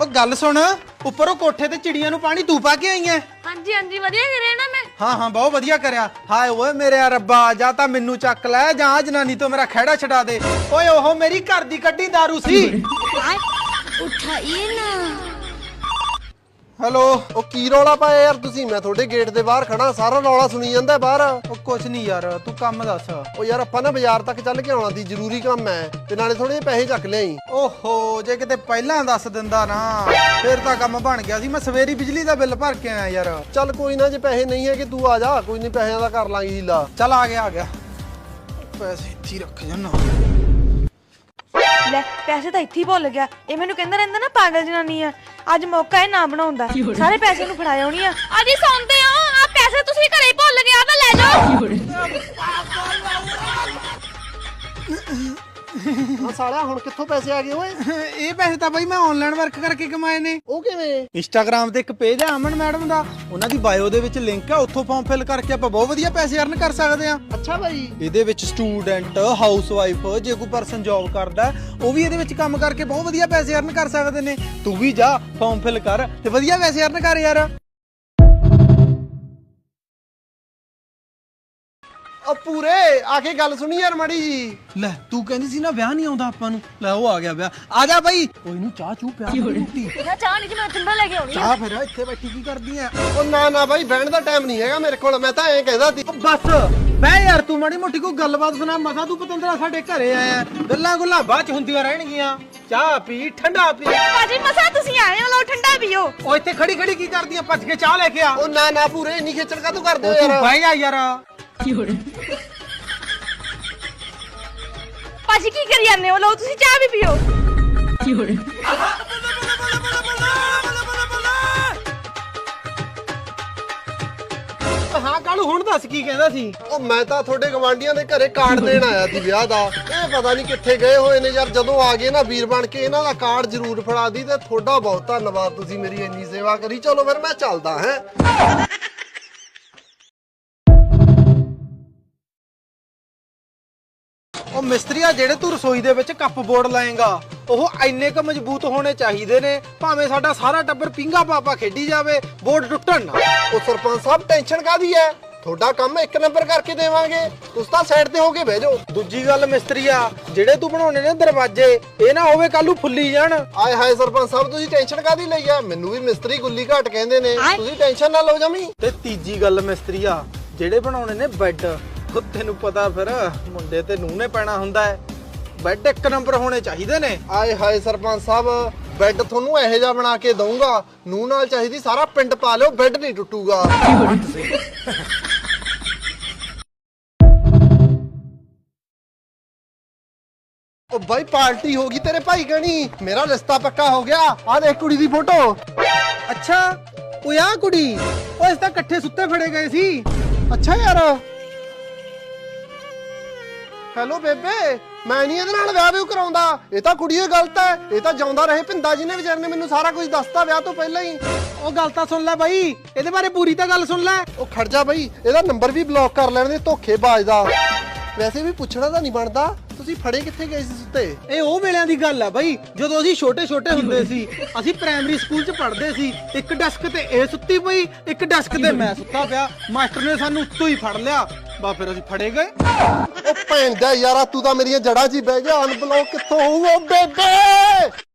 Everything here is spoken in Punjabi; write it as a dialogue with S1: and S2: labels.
S1: ਉਹ ਗੱਲ ਸੁਣ, ਉੱਪਰੋਂ ਕੋਠੇ ਤੇ ਚਿੜੀਆਂ ਨੂੰ ਪਾਣੀ ਤੂੰ ਪਾ ਕੇ ਆਈ ਐ?
S2: ਹਾਂਜੀ ਹਾਂਜੀ ਵਧੀਆ ਕਰਿਆ ਨਾ ਮੈਂ।
S1: ਹਾਂ ਬਹੁਤ ਵਧੀਆ ਕਰਿਆ। ਹਾਏ ਓਏ ਮੇਰੇ ਰੱਬਾ, ਜਾਂ ਤਾਂ ਮੈਨੂੰ ਚੱਕ ਲੈ ਜਾਂ ਜਨਾਨੀ ਤੋਂ ਮੇਰਾ ਖਹਿੜਾ ਛਡਾ ਦੇ। ਓਏ ਉਹ ਮੇਰੀ ਘਰ ਦੀ ਕੱਢੀ ਦਾਰੂ ਸੀ।
S2: ਉਠਾਈਏ ਨਾ।
S1: ਹੈਲੋ।
S3: ਉਹ ਕੀ ਰੌਲਾ ਪਾਇਆ ਯਾਰ ਤੁਸੀਂ? ਮੈਂ ਤੁਹਾਡੇ ਗੇਟ ਦੇ ਬਾਹਰ ਖੜਾ, ਸਾਰਾ ਰੌਲਾ ਸੁਣੀ ਜਾਂਦਾ ਬਾਹਰ।
S1: ਉਹ ਕੁਛ ਨਹੀਂ ਯਾਰ, ਤੂੰ ਕੰਮ ਦੱਸ।
S3: ਉਹ ਯਾਰ ਆਪਾਂ ਨਾ ਬਾਜ਼ਾਰ ਤੱਕ ਚੱਲ ਕੇ ਆਉਣਾ ਸੀ, ਜ਼ਰੂਰੀ ਕੰਮ ਹੈ, ਤੇ ਨਾਲੇ ਥੋੜੇ ਜਿਹੇ ਪੈਸੇ ਚੱਕ ਲਿਆਈ।
S1: ਓਹੋ, ਜੇ ਕਿਤੇ ਪਹਿਲਾਂ ਦੱਸ ਦਿੰਦਾ ਨਾ ਫੇਰ ਤਾਂ ਕੰਮ ਬਣ ਗਿਆ ਸੀ। ਮੈਂ ਸਵੇਰੀ ਬਿਜਲੀ ਦਾ ਬਿੱਲ ਭਰ ਕੇ ਆਇਆ ਯਾਰ।
S3: ਚੱਲ ਕੋਈ ਨਾ, ਜੇ ਪੈਸੇ ਨਹੀਂ ਹੈ ਕਿ ਤੂੰ ਆ ਜਾ, ਕੋਈ ਨਹੀਂ ਪੈਸਿਆਂ ਦਾ ਕਰ ਲਾਂਗੇ ਹੀਲਾ।
S1: ਚੱਲ ਆ ਗਿਆ। ਪੈਸੇ ਇੱਥੇ ਹੀ ਰੱਖ ਜਾਨਾ।
S2: ਲੈ ਪੈਸੇ ਤਾਂ ਇੱਥੇ ਹੀ ਭੁੱਲ ਗਿਆ। ਇਹ ਮੈਨੂੰ ਕਹਿੰਦਾ ਰਹਿੰਦਾ ਨਾ ਪਾਗਲ ਜਨਾਨੀ ਆ। ਅੱਜ ਮੌਕਾ ਹੈ ਨਾ ਬਣਾਉਂਦਾ, ਸਾਰੇ ਪੈਸੇ ਨੂੰ ਫੜਾ ਆਉਣੀ ਆ। ਅਜੀ ਸੌਂਦੇ ਹੋ, ਆ ਪੈਸੇ ਤੁਸੀਂ ਘਰੇ ਹੀ ਭੁੱਲ ਗਏ, ਆ ਤਾਂ ਲੈ ਜਾਓ।
S3: ਹਾਂ ਸਾਲਿਆ, ਹੁਣ ਕਿੱਥੋਂ ਪੈਸੇ ਆ ਗਏ ਓਏ?
S1: ਇਹ ਪੈਸੇ ਤਾਂ ਬਈ ਮੈਂ ਆਨਲਾਈਨ ਵਰਕ ਕਰਕੇ ਕਮਾਏ ਨੇ।
S3: ਉਹ ਕਿਵੇਂ?
S1: ਇੰਸਟਾਗ੍ਰਾਮ ਤੇ ਇੱਕ ਪੇਜ ਹੈ ਅਮਨ ਮੈਡਮ ਦਾ, ਉਹਨਾਂ ਦੀ ਬਾਇਓ ਦੇ ਵਿੱਚ ਲਿੰਕ ਹੈ, ਉੱਥੋਂ ਫਾਰਮ ਫਿਲ ਕਰਕੇ ਆਪਾਂ ਬਹੁਤ ਵਧੀਆ ਪੈਸੇ ਅਰਨ ਕਰ ਸਕਦੇ ਆ।
S3: ਅੱਛਾ ਭਾਈ।
S1: ਇਹਦੇ ਵਿੱਚ ਸਟੂਡੈਂਟ, ਹਾਊਸਵਾਈਫ, ਜੇ ਕੋਈ ਪਰਸਨ ਜੌਬ ਕਰਦਾ ਉਹ ਵੀ ਇਹਦੇ ਵਿੱਚ ਕੰਮ ਕਰਕੇ ਬਹੁਤ ਵਧੀਆ ਪੈਸੇ ਅਰਨ ਕਰ ਸਕਦੇ ਨੇ। ਤੂੰ ਵੀ ਜਾ ਫਾਰਮ ਫਿਲ ਕਰ ਤੇ ਵਧੀਆ ਪੈਸੇ ਅਰਨ ਕਰ ਯਾਰ।
S3: ਉਹ ਪੂਰੇ ਆ ਕੇ ਗੱਲ ਸੁਣੀ ਯਾਰ ਮਾੜੀ ਜੀ।
S1: ਲੈ ਤੂੰ ਕਹਿੰਦੀ ਸੀ ਨਾ ਵਿਆਹ ਨਹੀਂ ਆਉਂਦਾ ਆਪਾਂ ਨੂੰ, ਲੈ ਉਹ ਆ ਗਿਆ ਵਿਆਹ। ਆ ਜਾ ਬਈ, ਕੋਈ ਨੂੰ ਚਾਹ ਚੂ ਪਿਆ ਰੋਟੀ।
S2: ਚਾਹ ਨਹੀਂ ਜੀ, ਮੈਂ ਠੰਡਾ ਲੈ ਕੇ ਆਉਣੀ ਆ।
S1: ਚਾਹ ਫਿਰ ਇੱਥੇ ਬੈਠੀ ਕੀ ਕਰਦੀ ਐ?
S3: ਉਹ ਨਾ ਭਾਈ, ਬਹਿਣ ਦਾ ਟਾਈਮ ਨਹੀਂ ਹੈਗਾ ਮੇਰੇ ਕੋਲ, ਮੈਂ ਤਾਂ ਐਂ ਕਹਿੰਦਾ ਸੀ।
S1: ਬਸ ਬਹਿ ਯਾਰ, ਤੂੰ ਮਾੜੀ ਮੋਟੀ ਕੋਈ ਗੱਲਬਾਤ ਸੁਣਾ। ਮਸਾ ਤੂੰ ਪਤੰਦਰਾ ਸਾਡੇ ਘਰੇ ਆਇਆ, ਗੱਲਾਂ ਗੁੱਲਾਂ ਬਾਅਦ ਚ ਹੁੰਦੀਆਂ ਰਹਿਣਗੀਆਂ। ਚਾਹ ਪੀ, ਠੰਡਾ ਪੀ।
S2: ਬਾਜੀ ਮਸਾ ਤੁਸੀਂ ਆਏ ਹੋ, ਲਓ ਠੰਡਾ ਪੀਓ।
S1: ਉਹ ਇੱਥੇ ਖੜੀ ਕੀ ਕਰਦੀਆਂ? ਭੱਜ ਕੇ ਚਾਹ ਲੈ ਕੇ ਆ।
S3: ਉਹ ਨਾ ਪੂਰੇ, ਇੰਨੀ ਖੇਚਲ ਕਾ ਤੂੰ ਕਰਦੇ ਹੋ
S1: ਤੂੰ
S3: ਯਾਰ?
S1: ਬਹਿ ਜਾ ਯਾਰ।
S2: ਬਾਜੀ ਕੀ ਕਰੀ ਜਾਂਦੇ ਹੋ? ਲਓ ਤੁਸੀਂ ਚਾਹ ਵੀ ਪੀਓ।
S1: ਹਾਂ ਕਾਲੂ, ਹੁਣ ਦੱਸ ਕੀ ਕਹਿੰਦਾ ਸੀ?
S3: ਉਹ ਮੈਂ ਤਾਂ ਤੁਹਾਡੇ ਗਵਾਂਢੀਆਂ ਦੇ ਘਰੇ ਕਾਰਡ ਦੇਣ ਆਇਆ ਸੀ ਵਿਆਹ ਦਾ। ਇਹ ਪਤਾ ਨਹੀਂ ਕਿੱਥੇ ਗਏ ਹੋਏ ਨੇ ਯਾਰ। ਜਦੋਂ ਆ ਗਏ ਨਾ ਵੀਰ ਬਣ ਕੇ, ਇਹਨਾਂ ਦਾ ਕਾਰਡ ਜ਼ਰੂਰ ਫੜਾ ਦੀ। ਤੇ ਤੁਹਾਡਾ ਬਹੁਤ ਧੰਨਵਾਦ, ਤੁਸੀਂ ਮੇਰੀ ਇੰਨੀ ਸੇਵਾ ਕਰੀ। ਚਲੋ ਫਿਰ ਮੈਂ ਚੱਲਦਾ ਹੈਂ।
S1: ਉਹ ਮਿਸਤਰੀਆ, ਜਿਹੜੇ ਤੂੰ ਰਸੋਈ ਦੇ ਵਿੱਚ ਕੱਪ ਬੋਰਡ ਲਾਏਗਾ ਉਹ ਇੰਨੇ ਕ ਮਜ਼ਬੂਤ ਹੋਣੇ ਚਾਹੀਦੇ ਨੇ, ਭਾਵੇਂ ਸਾਡਾ ਸਾਰਾ ਟੱਬਰ ਪਿੰਗਾ ਪਾਪਾ ਖੇਡੀ ਜਾਵੇ, ਬੋਰਡ ਟੁੱਟਣ ਨਾ।
S3: ਉਹ ਸਰਪੰਚ ਸਾਹਿਬ, ਟੈਨਸ਼ਨ ਕਾਦੀ ਹੈ? ਤੁਹਾਡਾ ਕੰਮ ਇੱਕ ਨੰਬਰ ਕਰਕੇ ਦੇਵਾਂਗੇ, ਤੁਸੀਂ ਤਾਂ ਸਾਈਡ ਤੇ ਹੋ ਕੇ ਬਹਿ ਜਾਓ।
S1: ਦੂਜੀ ਗੱਲ ਮਿਸਤਰੀਆ, ਜਿਹੜੇ ਤੂੰ ਬਣਾਉਣੇ ਨੇ ਦਰਵਾਜ਼ੇ, ਇਹ ਨਾ ਹੋਵੇ ਕੱਲੂ ਫੁੱਲੀ ਜਾਣ।
S3: ਆਏ ਹਾਏ ਸਰਪੰਚ ਸਾਹਿਬ, ਤੁਸੀਂ ਟੈਨਸ਼ਨ ਕਾਦੀ ਲਈ ਆ? ਮੈਨੂੰ ਵੀ ਮਿਸਤਰੀ ਗੁੱਲੀ ਘਾਟ ਕਹਿੰਦੇ ਨੇ, ਤੁਸੀਂ ਟੈਨਸ਼ਨ ਨਾ ਲਓ ਜਮੀ।
S1: ਤੇ ਤੀਜੀ ਗੱਲ ਮਿਸਤਰੀਆ, ਜਿਹੜੇ ਬਣਾਉਣੇ ਨੇ ਬੈੱਡ, ਉਹ ਤੈਨੂੰ ਪਤਾ ਫਿਰ ਮੁੰਡੇ ਤੇ ਨੂੰਹ ਨੇ ਪੈਣਾ ਹੁੰਦਾ ਹੈ, ਬੈੱਡ ਇੱਕ ਨੰਬਰ ਹੋਣੇ ਚਾਹੀਦੇ ਨੇ।
S3: ਆਏ ਹਾਏ ਸਰਪੰਚ ਸਾਹਿਬ, ਬੈੱਡ ਤੁਹਾਨੂੰ ਇਹੋ ਜਿਹਾ ਬਣਾ ਕੇ ਦਊਂਗਾ, ਨੂੰਹ ਨਾਲ ਚਾਹੀਦੀ ਸਾਰਾ ਪਿੰਡ ਪਾ ਲਿਓ, ਬੈੱਡ ਨਹੀਂ ਟੁੱਟੂਗਾ। ਉਹ ਬਾਈ, ਪਾਰਟੀ ਹੋ ਗਈ ਤੇਰੇ ਭਾਈ ਕਣੀ, ਮੇਰਾ ਰਿਸ਼ਤਾ ਪੱਕਾ ਹੋ ਗਿਆ। ਆਹ ਦੇਖ ਕੁੜੀ ਦੀ ਫੋਟੋ।
S1: ਅੱਛਾ, ਉਹ ਆ ਕੁੜੀ, ਉਹ ਇਸ ਤਾਂ ਇਕੱਠੇ ਸੁੱਤੇ ਫੜੇ ਗਏ ਸੀ।
S3: ਅੱਛਾ ਯਾਰ। ਹੈਲੋ ਬੇਬੇ, ਮੈਂ ਨਹੀਂ ਇਹਦੇ ਨਾਲ ਵਿਆਹ ਵੀ ਕਰਾਉਂਦਾ। ਇਹ ਤਾਂ ਕੁੜੀ ਹੀ ਗਲਤ ਹੈ। ਇਹ ਤਾਂ ਜਾਉਂਦਾ ਰਹੇ ਪਿੰਦਾ ਜੀ ਨੇ, ਵਿਚਾਰ ਨੇ ਮੈਨੂੰ ਸਾਰਾ ਕੁਝ ਦੱਸਤਾ ਵਿਆਹ ਤੋਂ ਪਹਿਲਾਂ ਹੀ।
S1: ਉਹ ਗੱਲ ਤਾਂ ਸੁਣ ਲੈ ਬਾਈ, ਇਹਦੇ ਬਾਰੇ ਪੂਰੀ ਤਾਂ ਗੱਲ ਸੁਣ ਲੈ।
S3: ਉਹ ਖੜ ਜਾ ਬਾਈ, ਇਹਦਾ ਨੰਬਰ ਵੀ ਬਲੌਕ ਕਰ ਲੈਣ ਦੇ, ਧੋਖੇਬਾਜ਼ ਦਾ। ਵੈਸੇ ਵੀ ਪੁੱਛਣਾ ਤਾਂ ਨਹੀਂ ਬਣਦਾ, ਤੁਸੀਂ ਫੜੇ ਕਿੱਥੇ ਗਏ ਸੀ ਸੁੱਤੇ?
S1: ਇਹ ਉਹ ਵੇਲਿਆਂ ਦੀ ਗੱਲ ਆ ਬਾਈ, ਜਦੋਂ ਅਸੀਂ ਛੋਟੇ ਹੁੰਦੇ ਸੀ। ਅਸੀਂ ਪ੍ਰਾਇਮਰੀ ਸਕੂਲ 'ਚ ਪੜ੍ਹਦੇ ਸੀ। ਇੱਕ ਡੈਸਕ ਤੇ ਇਹ ਸੁੱਤੀ ਪਈ, ਇੱਕ ਡੈਸਕ ਤੇ ਮੈਂ ਸੁੱਤਾ ਪਿਆ। ਮਾਸਟਰ ਨੇ ਸਾਨੂੰ ਉੱਤੋਂ ਹੀ ਫੜ ਲਿਆ, ਬਾ ਫਿਰ ਅਸੀਂ ਫੜੇ ਗਏ।
S3: ਉਹ ਭੈਣ ਦਾ ਯਾਰਾ, ਤੂੰ ਤਾਂ ਮੇਰੀਆਂ ਜੜ੍ਹਾਂ 'ਚ ਹੀ ਬਹਿ ਗਿਆ। ਅਨਬਲੌਕ ਕਿੱਥੋਂ ਹੋਊਗਾ ਬੇਬੇ?